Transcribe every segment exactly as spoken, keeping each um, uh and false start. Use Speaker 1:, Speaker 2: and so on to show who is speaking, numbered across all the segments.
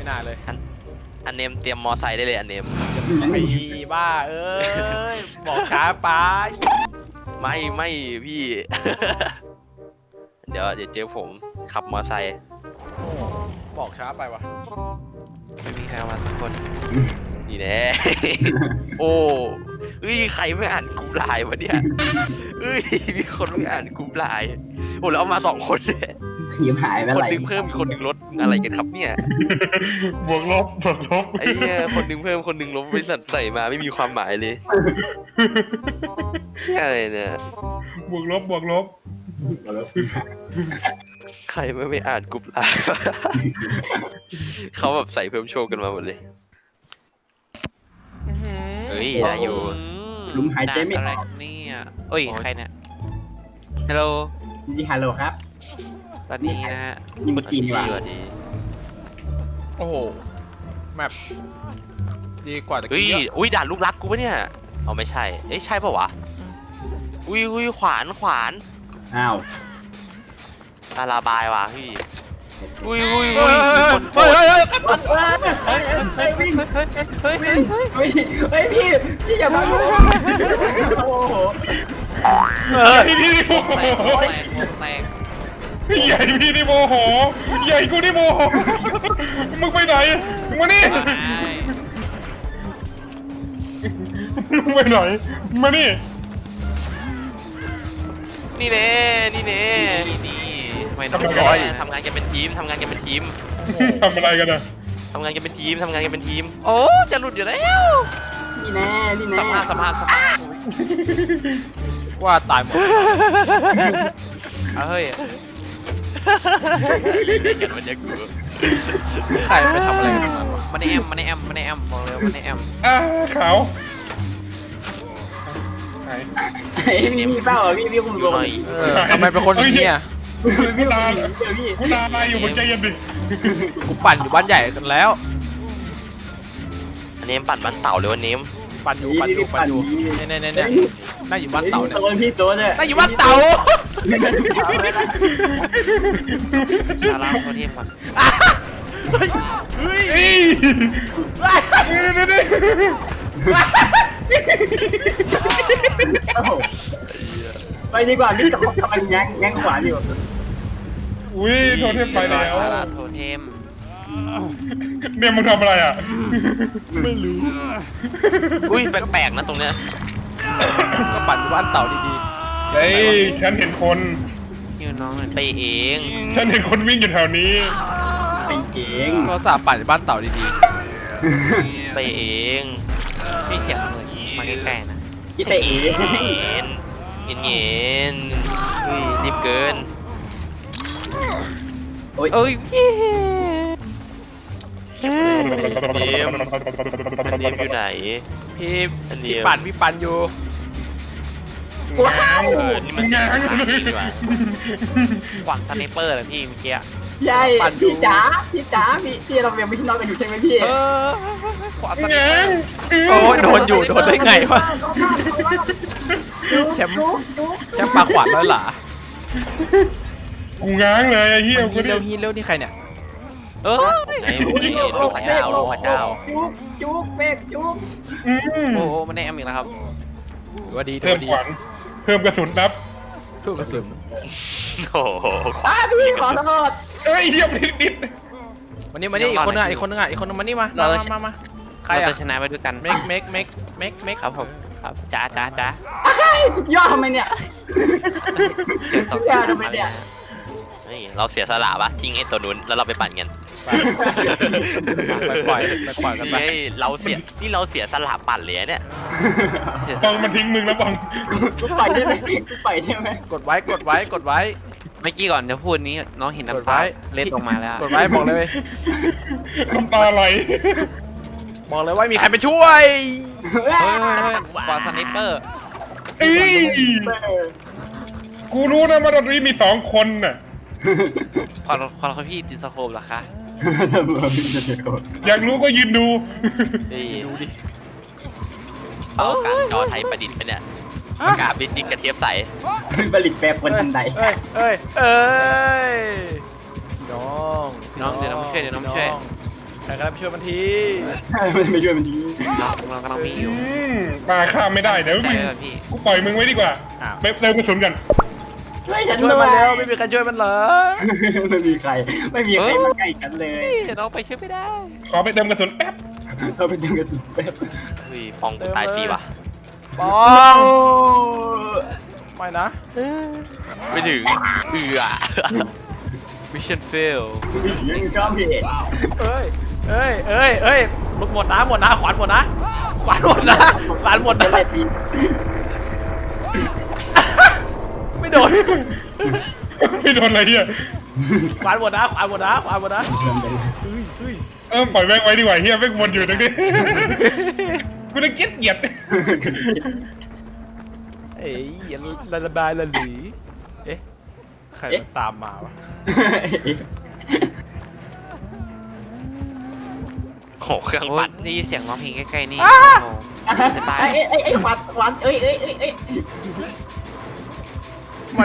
Speaker 1: น่าเลย
Speaker 2: อันเนมเตรียมมอไซค์ได้เลยอันเนม
Speaker 1: ไอ้บ้าเอ้ยบอกช้าไป
Speaker 2: ไม่ไม่พี่ เดี๋ยวเดี๋ยวเจอผมขับมอไซค์
Speaker 1: บอกช้าไปวะ
Speaker 2: ไม่มีใครมาสักคนนี่แน่ โอ้เฮ้ยใครไม่อ่านกลุ่มไลน์วะเนี่ยเฮ้ยมีคนไม่อ่านกลุ่มไลน์โอ้แล้วเอามาสองคนเลย
Speaker 3: ยิ้มหายไป
Speaker 2: คน
Speaker 3: ไหน
Speaker 2: หนึ่งเพิ่มคนหนึ่งลดอะไรกันครับเนี่ย
Speaker 4: บวกลบบวกลบ
Speaker 2: ไอ้เนี่ยคนหนึ่งเพิ่มคนหนึ่งลบบริษัทใส่มาไม่มีความหมายเลยอะไรเนี่ย
Speaker 4: บวกลบบวกลบ
Speaker 2: ใครไม่ไม่อ่านกลุ่มไลน์เขาแบบใส่เพิ่มโชว์กันมาหมดเลยเฮ้ยได้อยู่
Speaker 3: ลุมหายใจไม่
Speaker 5: อะไร
Speaker 3: ออก
Speaker 5: เนี่ยเอ้ยใครเนี่ยฮัลโหล
Speaker 3: ดีฮัลโหลครับ
Speaker 5: ตอนนี้นะฮะ
Speaker 3: นี่มันจีนว่ะ
Speaker 1: โอ้โหแมปดีกว่าตะ
Speaker 2: เฮ้ย
Speaker 1: กี้
Speaker 2: อุ้ยด่านลูกรักกูปะเนี่ยเอาไม่ใช่เอ้ยใช่ปะวะอุ้ยอุ้ยขวานขวาน
Speaker 3: อ้าว
Speaker 2: ตาลาบายว่ะพี่อุ้ยอุ้ยอุ้ยคนโคตร
Speaker 3: เฮ้ยเฮ้ยวิ่งเฮ้ยวิ่งเฮ้ยเฮ้ยพี่พี่อย่ามาโอ้โห
Speaker 4: พี่นี่โมโห
Speaker 5: แตก
Speaker 4: ใหญ่พี่นี่โมโหใหญ่กูนี่โมโหมึงไปไหนมึงมานี่มึงไปไหนมานี่
Speaker 2: นี่เน่นี่เน่
Speaker 5: นี่นี่ไม่
Speaker 2: ทำงานทำงานกันเป็นทีมทำงานกันเป็นทีม
Speaker 4: ทำอะไรกันอะ
Speaker 2: ทำงานกันเป็นทีมทำงานกันเป็นทีม
Speaker 5: โอ้จะหลุดอยู่แล้ว
Speaker 3: นี่แน่นี่แน่
Speaker 5: สภาพสภาพสภาพ
Speaker 1: ว่าตายหมด
Speaker 5: เฮ้ย
Speaker 2: เล่นกันมันจะกู
Speaker 1: ใครไปทำอะไรกันมันวะ
Speaker 5: มันในแอมมันในแอมมันในแอมบอกเลยมันในแอม
Speaker 4: อ่าขาว
Speaker 3: ไอ้นี่มีเปล่าพี่พี่คุณลง
Speaker 1: ทำไมเป็นคนอย่างนี้อ่ะ
Speaker 4: กูตากูตาอะไรอยู่บนใจเย็นดิ
Speaker 1: กูปั่นอยู่บ้านใหญ่กันแล้ว
Speaker 2: อันนี้ปั่นบ้านเต่าเลยวันนี้
Speaker 1: ปั่นอยู่ปั่นอยู่ปั่นอยู่เนี่ยเนี่ยเนี่ยนั่งอยู่บ้านเต่าเนี่ย
Speaker 3: พี่ตัวเนี่ย
Speaker 1: นั่งอยู่บ้านเต่า
Speaker 5: ชาลาโคเทมก่อน
Speaker 4: เฮ้ยเฮ้ย
Speaker 3: ไปดีกว่าพี่จับกำลังแง้งแง้งขวานอยู่
Speaker 4: อุ้ยโทเทมไปแล้ว
Speaker 5: ชาลาโทเทม
Speaker 4: เนี่ยมึงทำอะไรอ่ะ
Speaker 1: ไม่รู้
Speaker 2: อุ้ยแปลกๆนะตรงเนี้ย
Speaker 1: ก็ปั่นอยู่บ้านเต่าดี
Speaker 4: ๆเฮ้ยฉันเห็นคน
Speaker 5: นี่น้องไปเอง
Speaker 4: ฉันเห็นคนวิ่งอยู่แถวนี้
Speaker 3: ไปเอง
Speaker 1: ก็สาปั่นอยู่บ้านเต่าดี
Speaker 2: ๆไปเอง
Speaker 5: พี่เสียงเหมือนมาใกล้ๆนะ
Speaker 3: ไปเอง
Speaker 2: เย็นเย็นเย็นอุ้ยรีบเกิน
Speaker 3: โอ้ย
Speaker 5: เอ้ยพี่
Speaker 2: เนมเนมอยู่ไหน
Speaker 1: พี่พี่ปั่นพี่ปั่นอยู่
Speaker 3: ว้าว
Speaker 2: นี่มันงานดีกว่า
Speaker 5: ขวางสไนเปอร์เลยพี่เมื่อกี้
Speaker 3: ใช่พี่จ๋าพี่จ๋าพี่พี่เรายังไม่นอนกันอยู่ใช่ไหมพี่
Speaker 5: ขวางสไนเปอร์
Speaker 1: โอ้โดนอยู่โดนได้ไงวะแชมป์แชมป์ปลาขวานแล้วหรอ
Speaker 4: กูง้างเลยไอ้เหี้ย
Speaker 1: กูเร็วฮีเร็วนี่ใครเนี่ย
Speaker 2: เออไงลูกพระเจ้าลูกพระเจ้า
Speaker 3: จุ๊กจุ๊กเบกจุ๊ก
Speaker 5: โอ้โหมันในแอมอีกแล้วครับ
Speaker 1: ว่าดี
Speaker 4: เพิ่มขวัญเพิ่มกระสุนนับ
Speaker 1: เพิ่มกระสุน
Speaker 2: โอ้โห
Speaker 3: อ้าพี่ขอโทษ
Speaker 4: เฮ้ยเยี่ยมนิดนิด
Speaker 1: วันนี้มานี่อีกคนนึงอีกคนนึงอ่ะอีกคนนึงมานี่มามามามา
Speaker 5: ใครอ่ะชนะไปด้วยกัน
Speaker 1: เมกเมกเมกเมกเมก
Speaker 5: ครับผมครับจ้าจ้าจ้า
Speaker 3: ย่อทำไมเนี่ย
Speaker 5: เสียงสอง
Speaker 3: ย่อทำไมเนี่ย
Speaker 2: เราเสียสละปะทิ้งไอ้ตัวนู้นแล้วเราไปปั่นกัน
Speaker 1: ไปปล่อยไปปล่อยกันไป
Speaker 2: เราเสียนี่เราเสียสละปั่นเลยเนี่ย
Speaker 4: บังมันทิ้งมึงแล้วบัง
Speaker 3: กูไปได้ไหมกูไปได้ไหม
Speaker 1: กดไว้กดไว้กดไว้
Speaker 5: เมื่อกี้ก่อนจะพูดนี้น้องเห็นน้ำตาเล็ดออกมาแล้ว
Speaker 1: กดไว้บอกเลย
Speaker 4: น้ำตาไหล
Speaker 1: บอกเลยว่ามีใครไปช่วย
Speaker 5: กว่าสไนเปอร์
Speaker 4: กูรู้นะว่าตอนนี้มีสองคนน่ะ
Speaker 5: พอพอพี่ติดสโคปเหรอคะ
Speaker 4: อยากรู้ก็ยืนดู
Speaker 2: ดูดิเอาการจอไทยประดิษฐ์ไปเนี่ยประกาศบินจิกกระเทียมใส
Speaker 3: ผลิตแปรปรวนทันใด
Speaker 1: เอ้ยเอ้ยเอ้ยน้อง
Speaker 5: น้องเดี๋ยวน้องช่วยเดี๋ยวน้องช่วย
Speaker 1: ใครก็ได้ไปช่วยมันที
Speaker 3: มันไม่ช่วยมันที
Speaker 5: เราเรากำลังมีอยู่
Speaker 4: อืมปลาข้ามไม่ได้เดี๋ยว
Speaker 5: ใจ
Speaker 4: มึง
Speaker 5: ไว้ก่อนพี่
Speaker 4: กูปล่อยมึงไว้ดีกว่า
Speaker 1: อ้าว
Speaker 4: ไปเติมกระสุนกัน
Speaker 3: ช่วยฉัน
Speaker 1: ช่วย
Speaker 3: ด้ว
Speaker 1: มัน
Speaker 3: ย
Speaker 1: เร็วไม่มีใครช่วยมันเหรอ
Speaker 3: ไม่มีใครไม่มีใครมาใกล้กันเลย
Speaker 5: เราไปช่วยไม่ได้
Speaker 4: ขอไปเติมกระสุนแป๊บ
Speaker 3: เราไปดึงกระสุนแป๊บ
Speaker 2: เฮ้ยปองกูตายฟรีว่ะ
Speaker 1: ปอ
Speaker 3: โอ้
Speaker 1: งไม่นะ
Speaker 2: ไม่ถึงเอือ
Speaker 5: mission fail
Speaker 3: ยังชอบพี่
Speaker 1: เอ้ยเอ้ยเอ้ยเอ้ยลูกหมดนะหมดนะขวานหมดนะขวานหมดนะขวานหมด
Speaker 3: จะ
Speaker 1: นะ
Speaker 3: ไล่ตี
Speaker 1: ไม่โดน
Speaker 4: ไม่โดนอะไรเนี่ย
Speaker 1: ขวานหมดนะขวานหมดนะขวานหมดนะ
Speaker 4: เออปล่อยแม่งไว้ดีกว่าเฮียแม่งวนอยู่ตรงนี้ กูจะเกลียดเกลียด
Speaker 1: เอ้ยอย่าละระบายละหลีเอ๊ะใครมันตามมาวะ
Speaker 2: โหเครื่อง
Speaker 5: โอ้
Speaker 2: ปั่
Speaker 5: ย
Speaker 2: น
Speaker 5: ได้ยินเสียงร้องเพลงใกล้ๆนี่
Speaker 1: อ้า
Speaker 5: โอ้โหจะตาย
Speaker 3: ไอ้ไอ้ไอ้วัดวัดเอ้ยเอ้ยเอ้ยเอ้ย
Speaker 1: มัน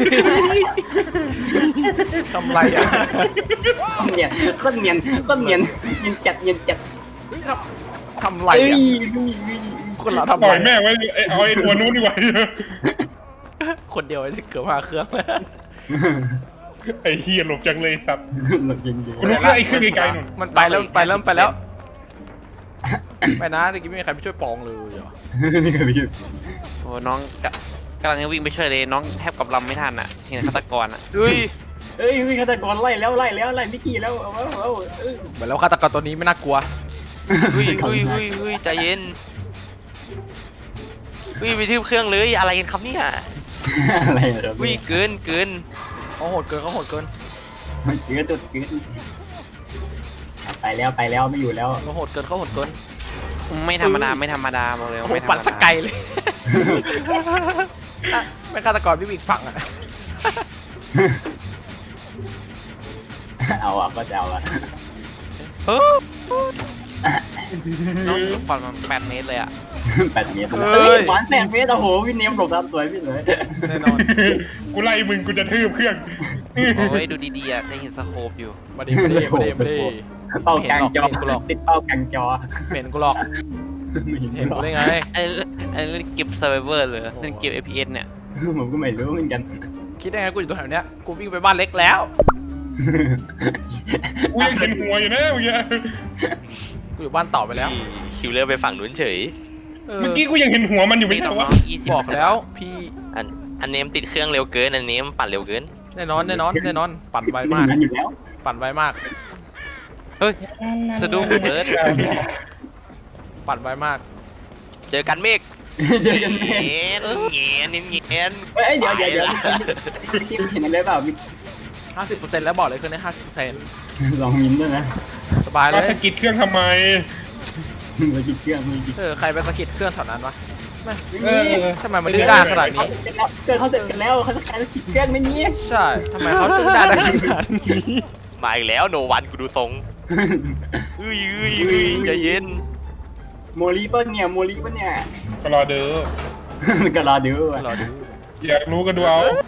Speaker 1: ทำไรอ่ะ
Speaker 3: ต้นเนียนต้นเนียนต้นเนียนเนียนจัดเนียนจัด
Speaker 1: เฮ้ยทำทำไร
Speaker 3: เอ้ย
Speaker 1: อ่ะคนเราทำ
Speaker 4: ปล่
Speaker 1: ไร
Speaker 4: อยแม่งไว้ไอ้เอาไอ้ตัวนู้นดีกว่า
Speaker 1: คนเดียวไอ้ที่เกือบมาเครื่อง
Speaker 4: ไอ้เฮียหลบจังเลยสัตว์
Speaker 3: หลบเย็น
Speaker 4: กูรู้แล้วไอ้เครื่องไกลๆนู่น
Speaker 1: มันไปแล้วไปแล้วไปแล้วไปนะตะกี้ไม่มีใครไปช่วยปองเลยเหรอ
Speaker 3: ๆนี่ก็ไม่ใช่
Speaker 5: โอ้น้องกะกำลังจะวิ่งไปช่วยเลยน้องแทบกับลำไม่ทันอ่ะเห็นฆาตกรอ่ะ
Speaker 2: เฮ้ย
Speaker 3: เอ้ยฆาตกรไล่แล้วไล่แล้วไล่มิกกี้แล้วเอาเอาเอาเออ
Speaker 1: เหมือนแล้วฆาตกรตัวนี้ไม่น่ากลัว
Speaker 2: เฮ้ยเฮ้ยเฮ้ยเฮ้ยใจเย็นเฮ้ยไปทืบเครื่องเลยอะไรกันครับเนี่ย
Speaker 3: อะไรเหรอ
Speaker 2: เฮ้ยเกินเกิน
Speaker 1: เขาโหดเกินเขาโหดเกิน
Speaker 3: มันเกิดจุดเกิดไปแล้วไปแล้วไม่อยู่แล้ว
Speaker 1: เขาโหดเกินเขาโหดเกิน
Speaker 5: ไม่ธรรมดาไม่ธรรมดาบอกเลย
Speaker 1: โอ้
Speaker 5: ว่า
Speaker 1: โห
Speaker 5: ไม่ธรรม
Speaker 1: ปั่น
Speaker 5: ดา
Speaker 1: สกไกลเลยอ่ะไม่ฆาตกรพี่บิ๊กฝั่งอ่ะ
Speaker 3: เอาอ่ะก็จะเอาอ่ะ
Speaker 2: เฮ้ย
Speaker 5: น้องฟันมันแปดเมตรเลยอ่ะ
Speaker 3: แปดเมตรเฮ้ยหวานแปดเมตรโอ้โหพี่เนมหลบตามสวยพี่เลย
Speaker 1: แน่นอน
Speaker 4: กูไล่มึงกูจะทืบเครื่อง
Speaker 5: โอ้ยดูดีๆอ่ะจะเห็นสโคปอยู่
Speaker 1: มาดีมาดีมาดีมาดี
Speaker 3: เป้ากลางจอติดเป้ากลางจอ
Speaker 1: เห็นกูหรอก
Speaker 3: ไม่เห็น
Speaker 1: เห็น
Speaker 3: หร
Speaker 1: กู
Speaker 3: อก
Speaker 1: ได้ไง
Speaker 5: อันนี้อันนี้เล่นเก็บ survivor เลยเล่นเก็บ เอฟ พี เอส เนี่ย
Speaker 3: ผมก็ไม่รู้เหมือนกัน
Speaker 1: คิดได้ไงกูอยู่ตรงแถวเนี้ยกูวิ่งไปบ้านเล็กแล้ว
Speaker 4: กูยังเห็นหัวอยู่นะเมื่อกี้
Speaker 1: กูอยู่บ้านต่อไปแล้ว
Speaker 2: คิวเลอร์ไปฝั่งนู้นเฉย
Speaker 1: เออ
Speaker 4: เมื่อกี้กูยังเห็นหัวมันอยู่ไม่
Speaker 5: นี่
Speaker 4: ใช่
Speaker 5: น้
Speaker 4: เหรอ
Speaker 5: อง
Speaker 4: วะ
Speaker 5: ๆยี่สิบ
Speaker 1: บอกแล้วพี่
Speaker 2: อันอันเนมติดเครื่องเร็วเกินอันเนมปั่นเร็วเกิน
Speaker 1: แน่นอนแน่นอนแน่นอนปั่นไว
Speaker 3: ไม่
Speaker 1: มาก
Speaker 3: งั้นอยู่แล้ว
Speaker 1: ปั่นไวมาก
Speaker 5: เฮ้ยสะดุ้งเบิร์ด
Speaker 1: ปั่นไวมาก
Speaker 2: เจอกันเมฆ
Speaker 3: เจอกันแน่
Speaker 2: เงี้ยเงี้ยเงี้ย
Speaker 3: เฮ้ยเดี๋ยวเดี๋ยวเดี๋ยวพี่เห็นอะไรเปล่ามี
Speaker 1: ห้าสิบเปอร์เซ็นต์แล้วบอกเลยคืนนี้ห้าสิบเปอร์เซ็นต์
Speaker 3: ลองมินด้วยนะ
Speaker 1: สบายเล
Speaker 4: มาย สะกิดเครื่องทำไม
Speaker 3: มือจิตเครื่องมือจิต
Speaker 1: เออใครไปสะกิดเครื่องแถวนั้นวะไม่
Speaker 4: เออ
Speaker 1: ทำไมมันดื้อด้านขนาดนี้
Speaker 3: เครื่องเขาเสร็จกันแล้วเขาจะใช้จิตเครื่องไม่นี้
Speaker 1: ใช่ทำไมเขาดื้อด้านได้ขนาดนี้
Speaker 2: มาอีกแล้วโนวันกูดูทรงเฮ้ยเฮ้ยเฮ้ยใจเย็น
Speaker 3: โมลีป่ะเนี่ยโมลีป่ะเนี่ย
Speaker 4: ก็รอเด้อ
Speaker 3: ก็รอดู
Speaker 1: รอดู
Speaker 4: อยากรู้กันดูเอา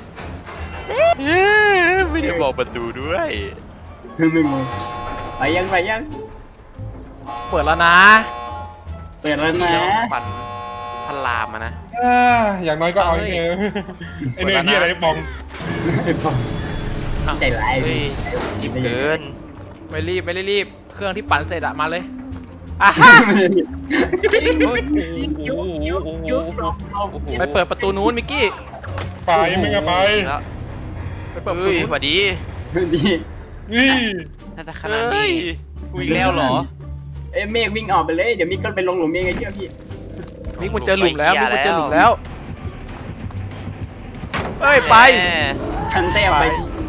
Speaker 2: ไม่ได้บอกประตูด้วย
Speaker 3: ไม่งงไปยังไปยัง
Speaker 1: เปิดแล้วนะ
Speaker 3: เปิดแล้วนะ
Speaker 5: เดี๋ยวปั่นพันลามอะนะ
Speaker 4: อ่าอย่างน้อยก็เอาไอ้เนยไอ้เนยที่อะไรปอง
Speaker 3: ใจร้าย
Speaker 2: เฮ้ยจิบเกิน
Speaker 1: ไม่รีบไม่ได้รีบเครื่องที่ปั่นเสร็จอะมาเลยอ่ะฮะ ไปเปิดประตูนู้นมิกกี้
Speaker 4: ไปมึงอะไป
Speaker 5: แล้ว
Speaker 1: ไปเปิดประตู
Speaker 2: เฮ้ย
Speaker 1: นู้น
Speaker 2: สวัสดี
Speaker 3: ดี
Speaker 4: นี่
Speaker 5: น่าจะขนาด
Speaker 2: เฮ้
Speaker 5: นี้
Speaker 2: ยกูอีกแล้วเหรอ
Speaker 3: เอ้เมฆวิ่งออกไปเลยเดี๋ยวมิกก็ไปลงหลุมเองไงเชื่อพี่
Speaker 1: มิกมันเจอหลุมแล้ว
Speaker 2: ไป
Speaker 1: มิกมันเจอหลุม
Speaker 2: แล้
Speaker 1: แล้ว วเอ้ยไป
Speaker 2: แหม
Speaker 3: ทันเต้ไป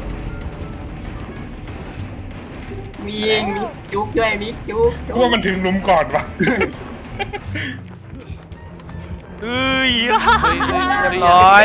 Speaker 3: วิ่งมิกจุกด้วยมิกจุก
Speaker 4: กูว่ามันถึงหลุมก่อนวะ
Speaker 2: เฮ้ย
Speaker 5: เฮ้ยเฮ้ย
Speaker 1: เรียบร้อย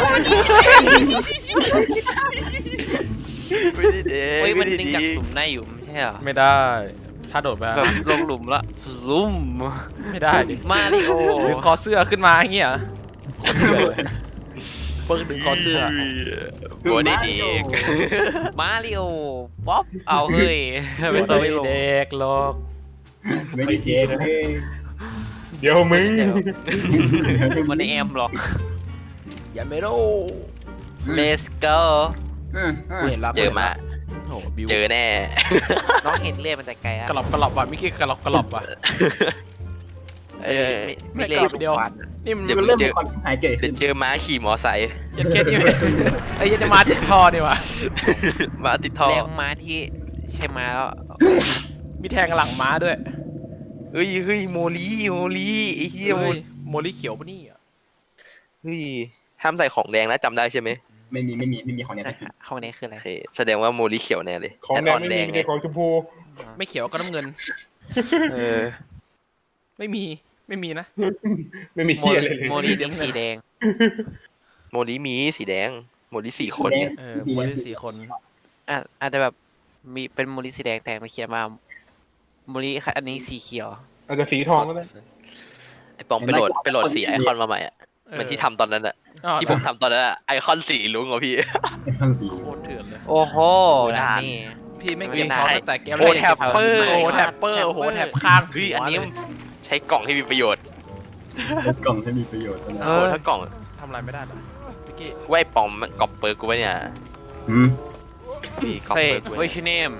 Speaker 2: ไม่ได้เด็
Speaker 5: เฮ้ย
Speaker 2: ก
Speaker 5: มั
Speaker 2: ไม่
Speaker 5: น
Speaker 2: ได้
Speaker 5: ดึง
Speaker 2: ดี
Speaker 5: จากหลุมได้อยู่ไม่ใช่เหรอ
Speaker 1: ไม่ได้ถ้าโดดไป
Speaker 5: แบบลงหลุมละซุ่ม
Speaker 1: ไม่ได้ดิ
Speaker 5: มาริโอ
Speaker 1: ดึงคอเสื้อขึ้นมาอย่างเงี้ยเหรอโคตรเถื่อนเลยเปิ้งดึงคอเสื้อ
Speaker 2: โบดี้ดีก
Speaker 5: มาริโอป๊อปเอาเฮ้ยเป็นตัวไม่ลง
Speaker 1: เด็กหรอก
Speaker 3: ไม่ได้เจ๊เลย
Speaker 4: เดี๋ยวมึง
Speaker 5: มันในแอมหรอก
Speaker 1: อย่าไม่รู้
Speaker 5: let's go
Speaker 1: กูเห็นแล้ว
Speaker 2: เจอมา
Speaker 1: โอ้โหบิว
Speaker 2: เจอแน่
Speaker 5: น้องเห็นเลือดมันแต่ไกลอะ
Speaker 1: กระหลอบกระหลอบว่ะมิกกี้กระหลอบกระหลอบว่ะ
Speaker 2: เออ
Speaker 5: ไม่
Speaker 1: ไม่
Speaker 5: เล่
Speaker 1: ก
Speaker 5: น
Speaker 1: ลับเดียว นี่มัน
Speaker 2: เดี๋ยว
Speaker 3: มันเริ่มมีความหายเกิด
Speaker 2: จะ
Speaker 3: ขึ้น
Speaker 2: เจอม้าขี่มอไซค์
Speaker 1: ยันเคสนี่ไอ้ยันจะมาติดคอนี่วะ
Speaker 2: ม้าติดท่อ
Speaker 5: แรงม้าที่ใช่ม้าแล้ว
Speaker 1: มีแทงหลังม้าด้วย
Speaker 2: เฮ้ยเฮ้ยโมลีโมลีไอ้เหี้ยโม
Speaker 1: เฮ้ยโมลิเขียวปะนี่อ่ะ
Speaker 2: เฮ้ยห้ามใส่ของแดงนะจำได้ใช่ไหม
Speaker 3: ไม่มีไม่มีไม่มีของเนี้ย
Speaker 5: ห้องนี้คืออะไร
Speaker 2: โอเคแสดงว่าโมลีเขียวแน่เลย
Speaker 4: ของแดงไม่มี
Speaker 2: แดง
Speaker 4: มี
Speaker 2: ไง
Speaker 4: แต่ของชมพู
Speaker 1: ไม่เขียวก็น้ำเงิน
Speaker 2: เออ
Speaker 1: ไม่มีไม่มีนะ
Speaker 4: ไม่มี
Speaker 5: โม
Speaker 4: เหี้ยอะไรเลย
Speaker 5: โมลีสีสีแดง
Speaker 2: โมลีมีสีแดงโมลีสี่คนเนี่ย
Speaker 1: เออโมลิสี่คน
Speaker 5: อ่ะอาจจะแบบมีเป็นโมลีสีแดงแต่มันเขียนมาโมลีอันนี้สีเขียว
Speaker 4: อาจจะสีทองก็ได้
Speaker 2: ไอปองไปโหลดไปโหลดสีไอคอนมาใหม่อ่ะเหมันที่ทำตอนนั้นอ่ะ
Speaker 1: อ้าว
Speaker 2: ที่ผมทำตอนนั้นอะไอคอนสีลุงเหรอพี่
Speaker 3: ข้างสี
Speaker 1: โคตรเถื่อนเลย
Speaker 5: โอ้โห
Speaker 2: นาน
Speaker 5: นี่
Speaker 1: พี่ไม่
Speaker 2: เฮ้
Speaker 1: เก็
Speaker 2: ย
Speaker 1: บ
Speaker 2: ได้
Speaker 1: คอตั้งแต่เกม
Speaker 2: โอ้แท็ปเปอร์
Speaker 1: โอ้แท็ปเปอร์โอ้โหแท็บข้าง
Speaker 2: เฮ้ยอันนี้ใช้กล่องให้มีประโยชน์
Speaker 3: กล่องที่มีประโยชน์นะ
Speaker 2: โอ้ถ้ากล่อง
Speaker 1: ทำอะไรไม่ได้หรอมิกกี้
Speaker 2: ไว้ปองมันกรอบเปิร์กูไว้เนี่ย
Speaker 3: อืม
Speaker 2: พี่กรอบ
Speaker 5: เฮ้ย
Speaker 2: เปิร์กู
Speaker 5: เว
Speaker 2: ไว้
Speaker 5: ชิเนม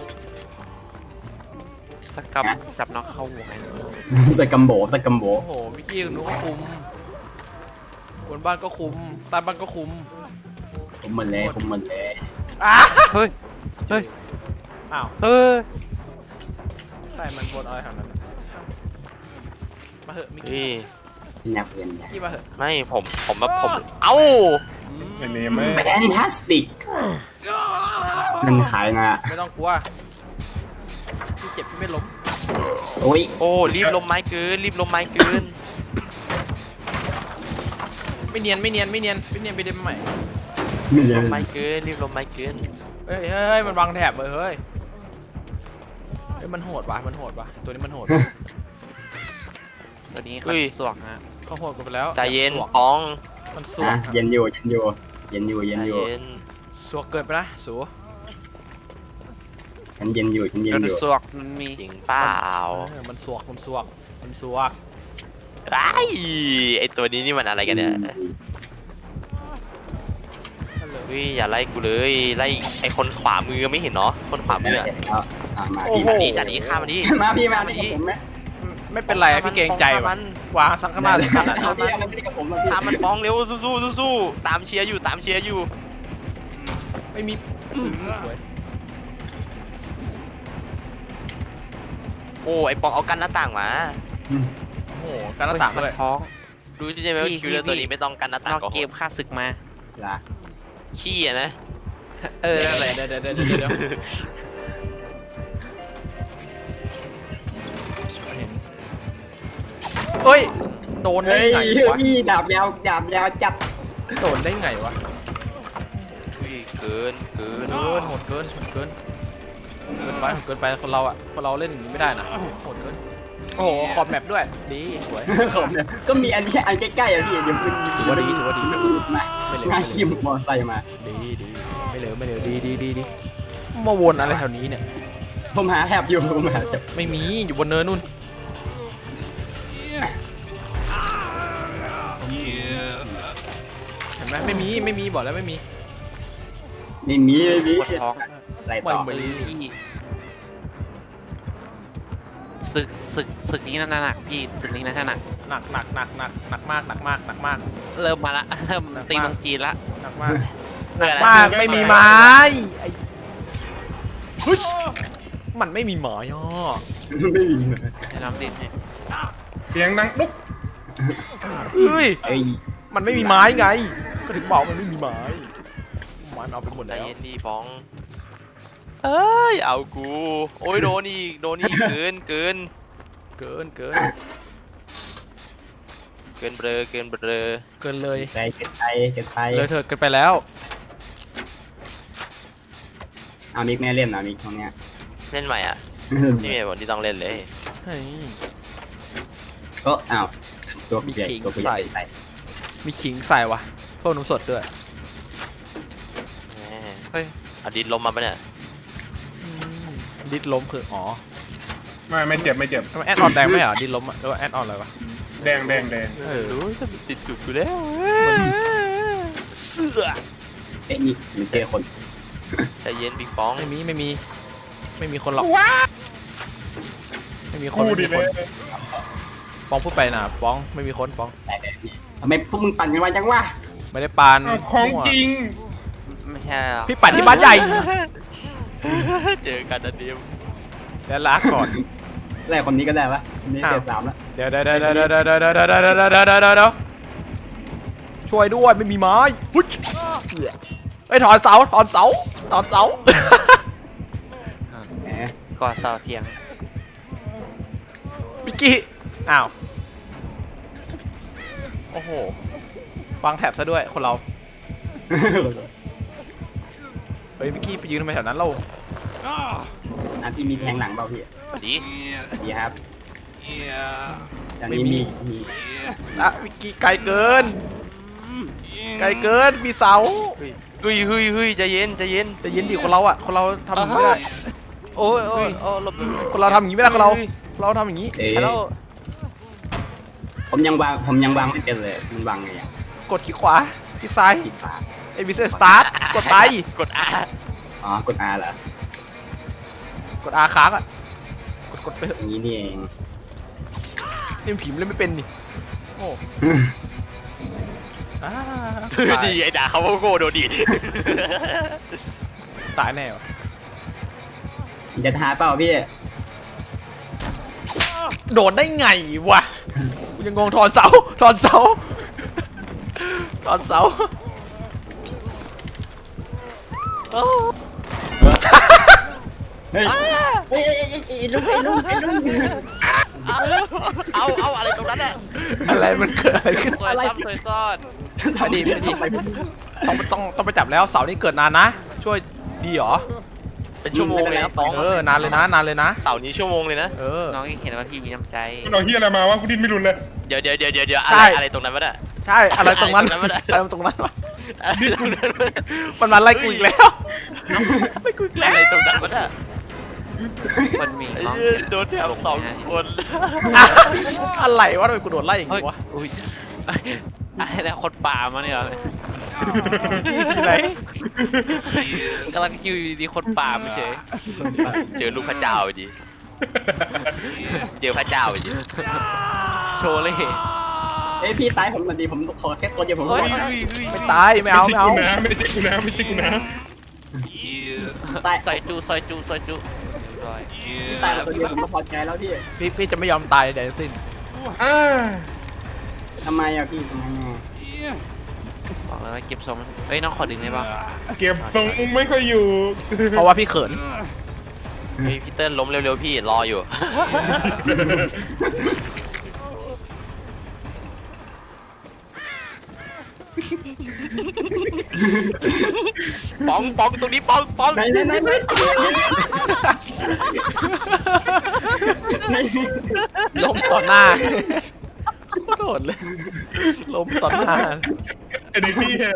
Speaker 5: สกับจับน็อกเข้าหัวไง
Speaker 3: สกัมโบสกัมโบ
Speaker 1: โอ้โหมิกกี้หนูก็คุมบนบ้านก็คุมใต้บ้านก็คุม
Speaker 3: ผมหมดแล้วผมหมดแล้ว
Speaker 1: อ้า
Speaker 5: เฮ้ย เฮ้ย
Speaker 1: อ้าว
Speaker 5: เฮ้ย
Speaker 1: ใช่มันบนอะไรทางนั้นมาเหอะมิกกี้
Speaker 2: นี่
Speaker 3: นักเรียน
Speaker 1: มิกกี้มาเหอะ
Speaker 2: ไม่ผมผมแบบผมเอ้า
Speaker 4: ไอ้เนี่ยไม่
Speaker 3: แฟนตาสติกมันขายมา
Speaker 1: ไม่ต้องกลัวพี่เจ็บพี่ไม่ล้ม
Speaker 3: โอ้ย
Speaker 2: โอ้รีบลมไม้เกินรีบลมไม้เกิน
Speaker 1: ไม่เนียนไม่เนียนไม่เนียนไม่เนียนไปเดมใหม่
Speaker 3: ไม่เล
Speaker 2: ล
Speaker 3: ย
Speaker 2: มไม้เกินรีบลมไม้เกิน
Speaker 1: เฮ้ยเฮ้ยเฮ้ยมันวางแถบเลยเฮ้ยเฮ้ยมันโหดว่ะมันโหดว่ะตัวนี้มันโหด
Speaker 5: ตัวนี้เขาสวกนะ
Speaker 1: เขาโหดกันไปแล้ว
Speaker 2: ใจเย็น
Speaker 1: สวก
Speaker 2: ปอง
Speaker 1: มันสว
Speaker 3: อ่ะ
Speaker 1: ก
Speaker 3: เย็นอยู่เย็นอยู่เย็นอยู่
Speaker 2: ใจ
Speaker 3: เย็นอยู่
Speaker 2: เย็น
Speaker 1: สวกเกินไปนะสู
Speaker 3: ฉันเย็นอยู่ฉันเย็น
Speaker 5: ตัว
Speaker 3: อยู่
Speaker 5: สวกมันมี
Speaker 2: จริงเปล่า
Speaker 1: เออมันสวกมันสวกมันสวก
Speaker 2: ไอ้ไอตัวนี้นี่มันอะไรกันเนี่ย
Speaker 1: นั่นเลย
Speaker 2: เฮ้ยอย่าไล่กูเลยไล่ไอคนขวามือไม่เห็นเนาะคนขวามืออะ
Speaker 3: เอาอ่ะมา
Speaker 1: โอ้
Speaker 3: พี่
Speaker 1: โห
Speaker 3: มา
Speaker 2: นี่จัดนี้ข้ามมันดิ
Speaker 3: มาพี่มาพี่กับผมไหม
Speaker 1: ไม่เป็นไรอะพี่เกรงใจ
Speaker 2: ฆ่ามั
Speaker 1: ว่ะ
Speaker 2: น
Speaker 1: วางสังขนาดขนาด
Speaker 3: เอา
Speaker 1: นั้น
Speaker 3: พี่เอาพี่กับผมมาพี่
Speaker 2: ตามมันปองเร็วสู้ๆสู้ๆตามเชียร์อยู่ตามเชียร์อยู่
Speaker 1: ไม่มีสวย
Speaker 2: โอ้ไอปองเอากันหน้าต่างมา
Speaker 1: โอ้โหการหน้าต่าง
Speaker 5: มัน
Speaker 1: เลย
Speaker 5: ท้อง
Speaker 2: รู้ใช่ไหมว่า
Speaker 5: พี่
Speaker 2: คิวเลอร์
Speaker 5: พี่
Speaker 2: ตัวนี้ไม่ต้องกันหน้าต่าง
Speaker 5: นอก
Speaker 2: ก็
Speaker 5: เกมค่าศึกมา
Speaker 3: ละ
Speaker 2: ขี้อะนะ
Speaker 5: เออนั่นแหละ
Speaker 1: เดี๋ยวเดี๋ยวเดี๋ยวเดี๋ยวเดี๋ยวเฮ้ยโดนได้
Speaker 3: เฮ้ย
Speaker 1: ไงวะ
Speaker 3: พี่ดาบยาวดาบยาวจัด
Speaker 1: โดนได้ไงวะ
Speaker 2: อุ้ยเกินเกิน
Speaker 1: เกินโหดเกินโหดเกินเกินไปโหดเกินไปคนเราอ่ะคนเราเล่นอย่างนี้ไม่ได้นะโหดเกินโอ้โหขอบแมปด้วยดีสวย
Speaker 3: ผมเนี่ยก็มีอันแค่อันใกล้ๆอ่ะพี่เดี๋ยวคุณ
Speaker 1: ถือว่าดีถือว่าดี
Speaker 3: มา
Speaker 1: ไม่เหลว
Speaker 3: งา
Speaker 1: ไม่
Speaker 3: ชิ
Speaker 1: เหล
Speaker 3: ม
Speaker 1: ว
Speaker 3: มอไซค์มา
Speaker 1: ดีดีไม่เหลวไม่เหลวดีดีดีดีมาวนอะไรแถวนี้เนี่ย
Speaker 3: ผมหาแถบอยู่ผมหาแถบ
Speaker 1: ไม่มีอยู่บนเนินนู่นเห็นไหมไม่มีไม่มีบอกแล้วไม่มี
Speaker 3: ไม่มีไม่มี
Speaker 5: ปวดท้อง
Speaker 3: อะไรต่อ
Speaker 1: ไม่มี
Speaker 5: พี่ศึกศึกศึกนี้น่าหนักพี่ศึกนี้น่าจะหนัก
Speaker 1: หนักหนักหนักหนักหนักมากหนักมากหนักมาก
Speaker 5: เริ่มมาละเริ่มตีเมืองจีนละ
Speaker 1: หนักมาก
Speaker 2: เกิน
Speaker 1: มากไม่มีไม้ไอ้ฮึชมันไม่มีไม้ย่อ
Speaker 3: ไม่มี
Speaker 5: ให้น้ำดินให้
Speaker 4: เสียงดังลุก
Speaker 1: เอ้ย
Speaker 3: ไอ้ย
Speaker 1: มันไม่มีไม้ไง ก็ถึงบอกมันไม่มีไม้ไม้มันเอาไปหมด
Speaker 2: ใจ
Speaker 1: แล้ว
Speaker 2: เย็นดีฟองเอ้ยเอากูโอ้ยโดนอีกโดนอีกเกินเกิน
Speaker 1: เกินเกิน
Speaker 2: เกินเบลอเกินเบลอ
Speaker 1: เกินเลย
Speaker 3: ใจเกินไปเกินไป
Speaker 1: เลยเถิดเกินไปแล้ว
Speaker 3: เอามิกแม่เล่นนะมิกตรงเนี้ย
Speaker 2: เล่นใหม่อ่ะนี่เหตุผลที่ต้องเล่นเลย
Speaker 1: เฮ้ย
Speaker 3: ก็อ้าวตัวใหญ่
Speaker 1: มีขิง
Speaker 3: ตัวใหญ่
Speaker 1: ใส่
Speaker 3: ใส่
Speaker 1: มีขิงใส่วะโทพิ่มน้ำสดด้วย
Speaker 2: แหมเฮ้ยเอาดินลมมาปะเนี่ย
Speaker 1: ดิดล้มคืออ๋อ
Speaker 4: ไม่ไม่เจ็บไม่เจ็บ
Speaker 1: ทำไมแอดออนแดงไม่เหรอดิดล้มอะหรือว่าแอดออนอะไรวะ
Speaker 4: แดงแดงแดง
Speaker 1: เออ
Speaker 2: รู้จะติดจุดกูแล้ว
Speaker 1: เสื้อ
Speaker 3: เอ้ยนี่มันเจอคน
Speaker 2: ใจเย็นปิงปอง
Speaker 1: ไม่มีไม่มีไม่มีคนหรอกไม่มีคน
Speaker 4: กู
Speaker 1: ไม่
Speaker 4: ดิ
Speaker 1: มี
Speaker 4: เล
Speaker 1: คน
Speaker 4: ย
Speaker 1: ป้องพูดไปนะป้องไม่มีคนป้อง
Speaker 3: แต่แต่พี่ทำไมพวกมึงปั่นกันมาจังวะ
Speaker 1: ไม่ได้ปาน
Speaker 4: อ้าวของจริง
Speaker 5: ไม่ใช่หรอก
Speaker 1: พี่ปัดที่บ้านใหญ่
Speaker 2: เจอกันนะเดียว
Speaker 1: แล้วลาก่อน
Speaker 3: แรกคนนี้ก็ได้ปะคนนี้เกียร์สามแล้ว
Speaker 1: เดี๋ยวเดี๋ยวเดี๋ยวเดี๋ยวเดี๋ยวเดี๋ยวเดี๋ยวเดี๋ยวเดี๋ยวเดี๋ยวเดี๋ยวเดี๋ยวเดี๋ยวช่วยด้วยไม่มีไม้หุ้ยไอ้ยถอนเสาถอนเสาถอนเสา
Speaker 3: แหม
Speaker 5: ก่อเสาเทียง
Speaker 1: มิกกี้อ้าวโอ้โหวางแถบซะด้วยคนเราเฮ้ยมิกกี้ไปยืนทำไมแถวนั้นเรา
Speaker 3: อันที่มีแทงหลังเปล่าพี่
Speaker 2: สวัสดี
Speaker 3: ดีครับอย่างนี้มีมี
Speaker 1: อะมิกกี้ไกลเกินไกลเกินมีเสา
Speaker 2: เฮ้ยเฮ้ยเฮ้ยเฮ้ยใจเย็นใจเย็น
Speaker 1: จะยินดีคนเราอ่ะคนเราทำอย่างนี้ไม่ได้
Speaker 2: โอ้ยโอ้ยโอ้ยหลบ
Speaker 1: คนเราทำอย่างนี้ไม่ได้คนเราคนเราทำอย่างนี้
Speaker 3: เอ๊ะ
Speaker 2: ฮัลโหล
Speaker 3: ผมยังวางผมยังวางไม่เป็นเลยมันวางไงอ่ะ
Speaker 1: กดคลิกขวาคลิกซ้าย
Speaker 3: ปิดฝา
Speaker 1: เอวิเซสตาร์ทกดไป
Speaker 2: กด R
Speaker 3: อ๋อกด R เหรอก
Speaker 1: ดอาค้างอ่ะกดกดไปเถอะ
Speaker 3: อย่างนี้นี่เอง
Speaker 1: นี่มันผีมันเล่นไม่เป็นนี่โอ้อ่าตาย
Speaker 2: ดีไอ้ด่าเขาว่าโง่โดนดี
Speaker 1: ตายแน่วะ
Speaker 3: มันจะท้าเปล่าพี่
Speaker 1: โดนได้ไงวะกูยังงงถอนเสาถอนเสาถอนเสาโอ้
Speaker 3: เฮ้ยเฮ้ยไอ้ลุงไอ้ลุงไอ้ลุง
Speaker 2: เอาเอาอะไรตรงนั้นอ่ะ
Speaker 1: อะไรมันเกิดอะไรขึ้น
Speaker 5: ซอยซ้ำซอยซ่อน
Speaker 3: ทำดีไม่ดี
Speaker 1: ต้องต้องต้องไปจับแล้วเสานี่เกิดนานนะ ช่วยดีเหรอ
Speaker 2: เป็นชั่วโมงเลยนะปอง
Speaker 1: เออนานเลยนะนานเลยนะ
Speaker 2: เสาร์นี้ชั่วโมงเลยนะ
Speaker 1: เออ
Speaker 5: น้องยังเห็นว่าพี่มีน้ำใจ
Speaker 4: คุณเอาเฮียอะไรมาวะกูดิ้นไม่รุนเลย
Speaker 2: เดี๋ยวเดี๋ยวเดี๋ยวเดี๋ยวเดี๋ยว
Speaker 1: ใช่
Speaker 2: อะไรอะไรตรงนั้นวะเนี่ย
Speaker 1: ใช่อะไรตรงนั้น
Speaker 2: อะไรตรงนั้นวะ
Speaker 1: อะไรตรงนั้นวะ
Speaker 2: อะไรตรงนั้นวะ
Speaker 1: มันมาไล่กูอีกแล้วไล่กูอีกแล้ว
Speaker 2: อะไรตรงนั้นวะเนี่ย
Speaker 5: คนมี
Speaker 2: ไอ้
Speaker 5: น้อง
Speaker 2: เหี้ย
Speaker 5: เสียง
Speaker 2: โดนแถบสองคน
Speaker 1: อะอะไรวะทำไมกูโดนไล่อย่าง
Speaker 5: เฮ้ย
Speaker 1: งี้วะ
Speaker 5: อุ้ยไอ้แต่คนป่ามาเนี่ยเหรอ
Speaker 1: ที่ที่ไหน
Speaker 5: กำลังคิวอยู่ดีๆคนป่าไม่เฉย
Speaker 2: เจอลูกพระเจ้าไปดิเจอพระเจ้าไปดิ
Speaker 5: โชว์เลย
Speaker 3: เอ้ยพี่ตายผมมันดีผมขอแค่ตัวเดียวผม
Speaker 2: เฮ้ย
Speaker 3: ขอ
Speaker 2: เฮ้ยเฮ้ย
Speaker 1: ไม่ตายไม่เอาไม่เอา
Speaker 4: ไม่ใช่กูนะไม่ใช่กูนะ
Speaker 3: ตาย
Speaker 5: ซอยจูซอยจูซอยจูซอย
Speaker 3: ตายตัวเดียวผมก็พอใจแล้วพี่
Speaker 1: พี่พี่จะไม่ยอมตายใดทั้งสิ้น
Speaker 4: อ่า
Speaker 3: ทำไมอะพี่ทำไมอะ
Speaker 5: บอกเลยว่าเก็บทรงมันเฮ้ยน้องขอดึงได้ป่ะ
Speaker 4: เก็บทรงไม่ค่อยอยู่
Speaker 1: เพราะว่าพี่เขิน
Speaker 2: เฮ้ยพี่เติ้ลล้มเร็วๆพี่รออยู่ ปองปองตรงนี้ปองปอง
Speaker 3: ไหนไหนไหนไหนไหน
Speaker 1: ล้มต่อหน้าโดดเลยล้มต่อหน้า
Speaker 4: ไอ้เด็กพี่อะ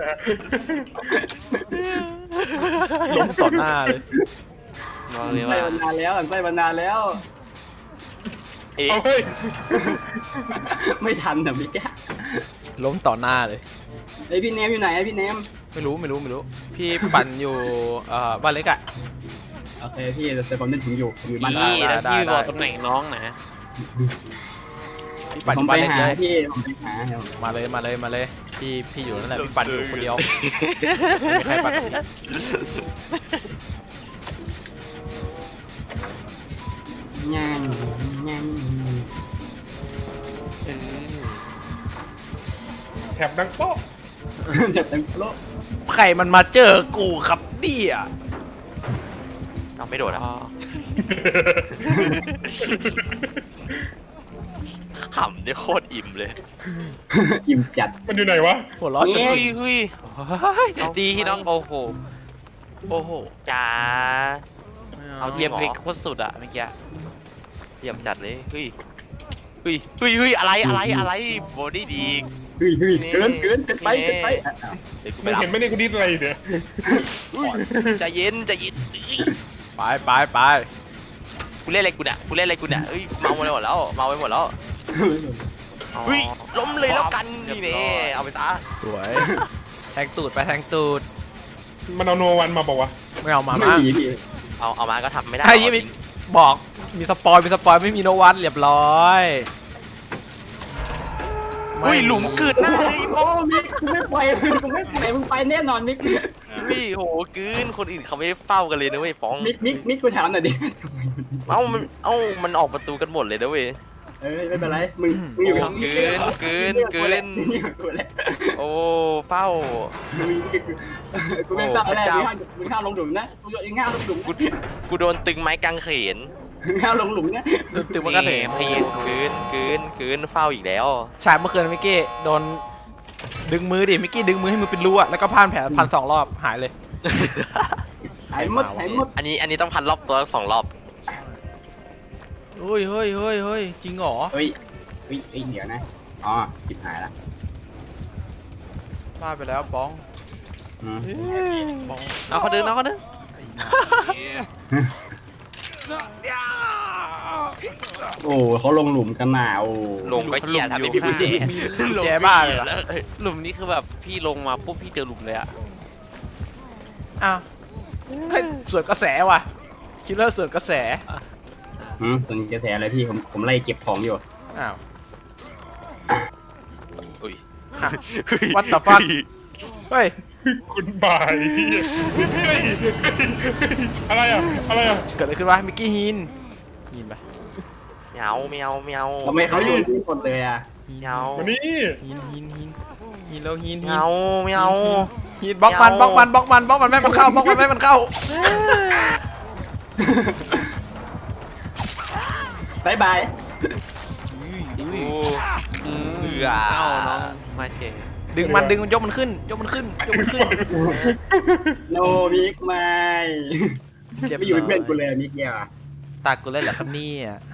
Speaker 1: ล้มต่อหน้าเลย
Speaker 5: บอกเลย
Speaker 3: ใส่
Speaker 5: ว่า
Speaker 3: บรรดาแล้วใส่บรรดาแล้ว
Speaker 2: เอ๊ะ
Speaker 4: เอาเฮ้ย
Speaker 3: ไม่ทันนะพี่แก
Speaker 1: ล้มต่อหน้าเลย
Speaker 3: ไอพี่เนมอยู่ไหนอะพี่เนม
Speaker 1: ไม่รู้ไม่รู้ไม่รู้ พี่ปั่นอยู่เอ่อบ้านเล็กอะ
Speaker 3: โอเคพี่แต่ผมนึกถึงอยู่อยู่บ้าน
Speaker 1: ได้
Speaker 5: พี่
Speaker 1: ได้
Speaker 5: แล้วพี่
Speaker 1: ได้
Speaker 5: บอกตำแหน่งน้องนะ
Speaker 1: พี่ปั่นอ
Speaker 3: ผม
Speaker 1: ยู่
Speaker 3: ไป
Speaker 1: บ้านเล็ก
Speaker 3: หา
Speaker 1: เลย
Speaker 3: พี่ผมไปหาเดี๋ยว
Speaker 1: มาเลยมาเลยมาเลยพี่พี่อยู่นั่นแหละพี่ปั่นอยู่คนเดียวไม่มีใครปั่นกับพี่
Speaker 3: ง่ายง่าย
Speaker 5: เออ
Speaker 4: แถบดังโป๊ะ
Speaker 3: เด็ดเต็มโลก
Speaker 1: ใครมันมาเจอกูครับเนี่ย
Speaker 2: เอาไม่โดดอ่ะ
Speaker 5: อ๋อ
Speaker 2: ขำได้โคตรอิ่มเลย
Speaker 3: อิ่มจัด
Speaker 4: มันอยู่ไหนวะ
Speaker 1: หัวเร้อนจน
Speaker 3: นี่
Speaker 2: เฮ้ยเฮ้ย
Speaker 5: เฮ้ยดีที่น้องโอ้โหโอ้โห
Speaker 2: จ๋า
Speaker 5: เอาเทียมเล็กโคตรสุดอะเมื่อกี้
Speaker 2: เยี่ยมจัดเลยเฮ้ยเฮ้ยเฮ้ยเฮ้ยอะไรอะไรอะไรบอดี้ดี
Speaker 3: เฮ้ยเฮ้ยเกินเกินเกินไปเกินไป
Speaker 2: เดี๋ยวกู
Speaker 4: มึ
Speaker 2: ไป
Speaker 4: ง
Speaker 2: รับ
Speaker 4: เห็นไหมเนี่ยกูดิ้นอะไรเนี่ย
Speaker 2: ใจเย็นใจเย็นเอ้ย
Speaker 1: ไปไปไป
Speaker 2: กูเล่นอะไรกูเนี่ยกูเล่นอะไรกูเนี่ยเอ้ยเมาไปหมดแล้วเมาไปหมดแล้วเฮ้ยล้มเลยแล้วกันนี่แน่เอาไปซะ
Speaker 1: สวย แทงตูดไปแทงตูด
Speaker 4: มันเอาโนวันมาบอกว่า
Speaker 1: ไม่เอามา
Speaker 3: ไม่
Speaker 1: มา
Speaker 3: มีพี่
Speaker 2: เอาเอามาก็ทำไม่ได้
Speaker 1: ไอ้ยี่มีบอกมีสปอยมีสปอยไม่มีโนวันเรียบร้อย
Speaker 2: เฮ้ยหลุมเกิดหน้าเลย
Speaker 3: โอ้มิกกูไม่ไปกูไม่ไปมึงไปแน่นอนมิก
Speaker 2: พี่โหกลืนคนอื่นเขาไม่เฝ้ากันเลยนะเว้ยฟ้อง
Speaker 3: มิกมิกมิกกูถามหน่อยดิ
Speaker 2: เอ้ามันเอ้ามันออกประตูกันหมดเลยนะเว้ย
Speaker 3: เอ้ยไม่เป็นไรมึงมึงอยู่กับ
Speaker 2: เกินเกินเกิน
Speaker 3: นี่กูแหละ
Speaker 2: โอ้เฝ้า
Speaker 3: มึงกูไม่ทราบแล้วมึงห้ามมึงห้ามลงหลุมนะมึงห้ามลงหลุม
Speaker 2: กูกูโดนตึงไม้กางเขน
Speaker 3: มึงห้ามลงหลุมนะ
Speaker 1: ตึงมันก็เถ
Speaker 5: พ
Speaker 1: ม
Speaker 5: ย
Speaker 2: เกินเกินเกินเฝ้าอีกแล้ว
Speaker 1: ฉากเมื่อคืนมิกกี้โดนดึงมือดิมิกกี้ดึงมือให้มือเป็นรูอะแล้วก็พ่านแผลพันสองรอบหายเลย
Speaker 3: หายหมดหายหมด
Speaker 2: อันนี้อันนี้ต้องพันรอบตัวสองรอบ
Speaker 1: เฮ้ยเฮ้ยเฮ้ยเฮ้ยจริงเหรอ
Speaker 3: เฮ้ยเฮ้ยเฮ้ยเดี๋ยวนะอ๋อผิดหายละ
Speaker 1: พลาดไปแล้วบ้อง
Speaker 3: อืม
Speaker 1: บ้อง
Speaker 5: เอาเขาดึงเอาเขาดึง
Speaker 3: โอ้เขาลงหลุมกันมาโอ้
Speaker 2: ลงก็เหี้ยทำให้พี่กุญแจ
Speaker 1: มีกุญแจบ้าเลยเหรอ
Speaker 5: หลุมนี้คือแบบพี่ลงมาปุ๊บพี่เจอหลุมเลยอะ
Speaker 1: อ้าวเฮ้ยสวนกระแสว่ะคิลเลอร์สวนกระแส
Speaker 3: อืมส่วนกระแสอะไรพี่ผมผมไล่เก็บของอยู่
Speaker 1: อ้าว
Speaker 2: อุ้ย
Speaker 1: What the fuck เฮ้ย
Speaker 4: คุณบายเฮ้ยอะไรอ่ะอะไรอ่ะ
Speaker 1: เกิดอะไรขึ้นวะมิกกี้ฮินฮินปะ
Speaker 2: เมียวเมียวเมียว
Speaker 3: ทำไมเขาอยู่ที่คนเลยอ่ะ
Speaker 1: ฮิน
Speaker 2: เมียว
Speaker 4: วันนี้
Speaker 1: ฮินฮินฮินฮินแล้วฮิน
Speaker 2: เมี
Speaker 1: ฮิ
Speaker 2: ย
Speaker 1: น
Speaker 2: วเมียว
Speaker 1: ฮินบล็อกมันบล็อกมันบล็อกมันบล็อกมันแม่ให้มันเข้าบล็อกมันแม่ให้มันเข้า
Speaker 3: บายบาย
Speaker 2: อู้
Speaker 5: อืม
Speaker 2: เบื่อ
Speaker 5: เอาน้องมาเชย
Speaker 1: ดึงมันดึงมันยกมันขึ้นยกมันขึ้นยกมันขึ้น
Speaker 3: โนมิกไม่
Speaker 1: เจ็บ
Speaker 3: ไม่อยู่เป็นเพื่อนกูเลยมิกเนี่ย
Speaker 1: ตากูเล่นเหรอครับเนี่ย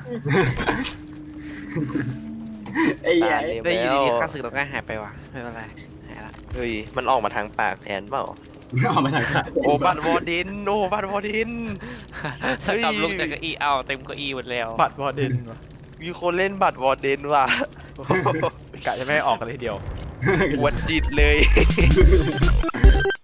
Speaker 3: ไอ้เหี้ย
Speaker 5: ได้อยู่ดีๆข้าศึกเราก็หายไปว่ะไม่เป็นไรหายละ
Speaker 2: เฮ้ยมันออกมาทางปากแทนเปล่า
Speaker 3: เอามาทางขา
Speaker 2: โอ้บัตรวอร์ดินโอ้บัตรวอร์ดิน
Speaker 5: สกลับลงจากเก้าอี้เอาเต็มเก้าอี้หมดแล้ว
Speaker 1: บัตรบอดินวะ
Speaker 2: มีคนเล่นบัตรวอร์ดินว่ะ
Speaker 1: กะจะไม่ให้ออกกันเลยทีเดียว
Speaker 2: ปวดจิตเลย